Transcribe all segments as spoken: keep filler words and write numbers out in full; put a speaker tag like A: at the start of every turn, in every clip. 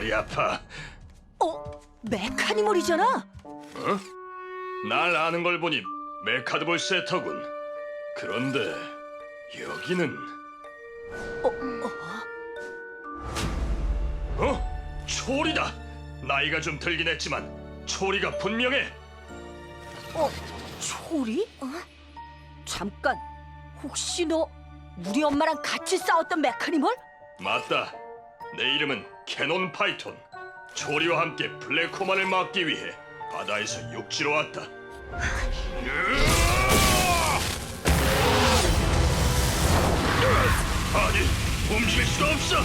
A: 머리 아파.
B: 어? 메카니멀이잖아?
A: 어? 날 아는 걸 보니 메카드볼 세터군. 그런데 여기는
B: 어? 어?
A: 어? 초리다. 나이가 좀 들긴 했지만 초리가 분명해.
B: 어? 초리? 어? 잠깐, 혹시 너 우리 엄마랑 같이 싸웠던 메카니멀?
A: 맞다. 내 이름은 캐논 파이톤. 초리와 함께 블랙호만을 막기 위해 바다에서 육지로 왔다. 아니, 움직일 수가 없어.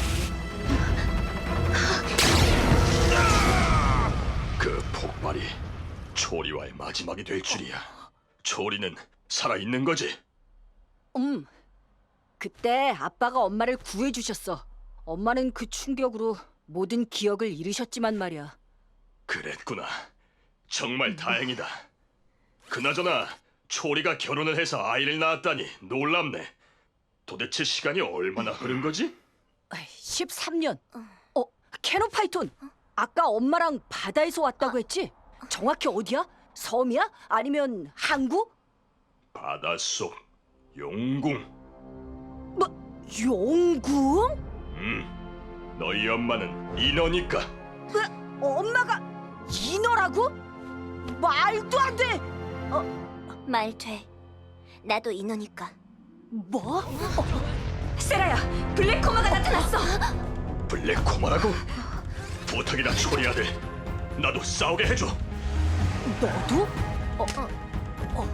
A: 그 폭발이 초리와의 마지막이 될 줄이야. 초리는 살아있는 거지?
B: 음, 그때 아빠가 엄마를 구해주셨어. 엄마는 그 충격으로 모든 기억을 잃으셨지만 말이야.
A: 그랬구나. 정말 다행이다. 그나저나 초리가 결혼을 해서 아이를 낳았다니 놀랍네. 도대체 시간이 얼마나 흐른 거지?
B: 십삼 년. 어, 캐논 파이톤. 아까 엄마랑 바다에서 왔다고 했지? 정확히 어디야? 섬이야? 아니면 항구?
A: 바닷속 용궁.
B: 뭐, 용궁?
A: 음, 너희 엄마는 인어니까.
B: 왜, 엄마가 인어라고? 말도 안 돼!
C: 말 돼. 나도 인어니까.
B: 뭐? 어, 세라야, 블랙코마가 나타났어!
A: 블랙코마라고? 부탁이다 초리 아들. 나도 싸우게 해줘.
B: 너도? 어, 어.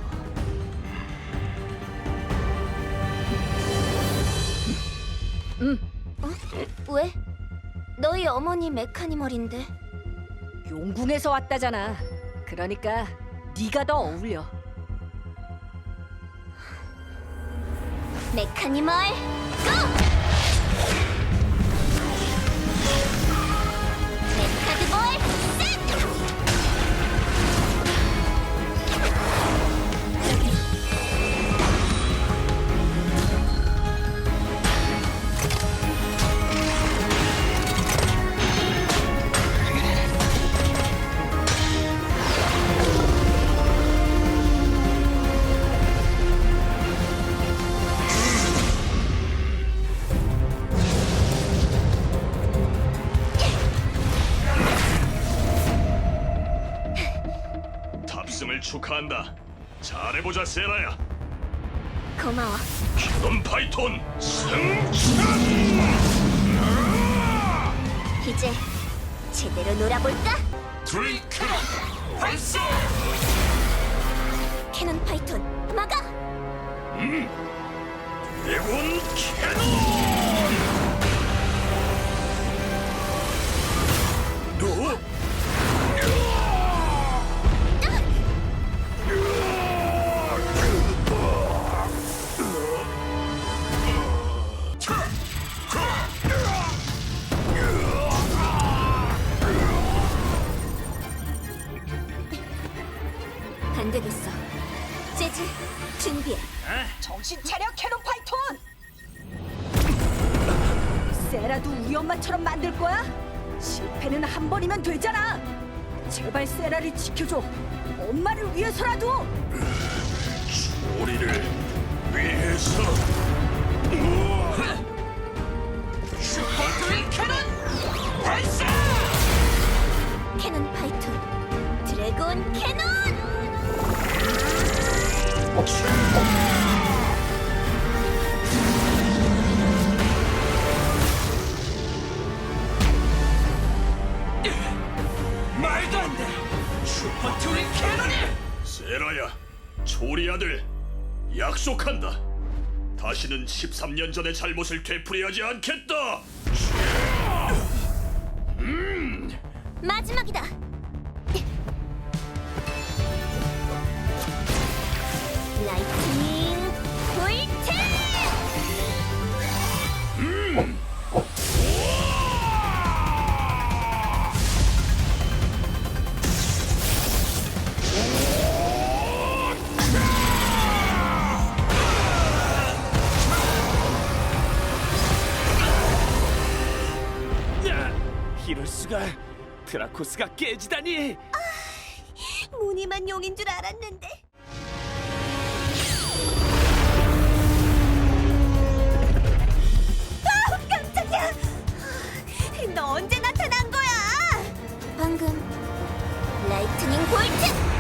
C: 왜? 너희 어머니 메카니멀인데.
B: 용궁에서 왔다잖아. 그러니까 네가 더 어울려.
C: 메카니멀 고! 메카드볼 세트!
A: 탑승을 축하한다. 잘해보자 세라야.
C: 고마워.
A: 캐논 파이톤 승천!
C: 이제 제대로 놀아볼까?
A: 트윈크론 발사!
C: 캐논 파이톤 막아!
A: 드래곤 캐논! 너?
C: 안 되겠어. 재즈, 준비해.
B: 정신 차려, 캐논 파이톤! 세라도 우리 엄마처럼 만들 거야? 실패는 한 번이면 되잖아. 제발 세라를 지켜줘. 엄마를 위해서라도.
A: 우리를 위해서 슈퍼 트윈 캐논 발사!
C: 캐논 파이톤, 드래곤 캐논!
A: 말도 안 돼! 슈퍼 트윈 캐논이! 세라야, 초리 아들, 약속한다. 다시는 십삼 년 전의 잘못을 되풀이하지 않겠다.
C: 마지막이다. 라이트닝 볼트!
D: 이럴 수가. 드라코스가 깨지다니.
C: 무늬만 용인 줄 알았는데. 아, 깜짝이야. 너 언제 나타난 거야? 방금 라이트닝 볼트.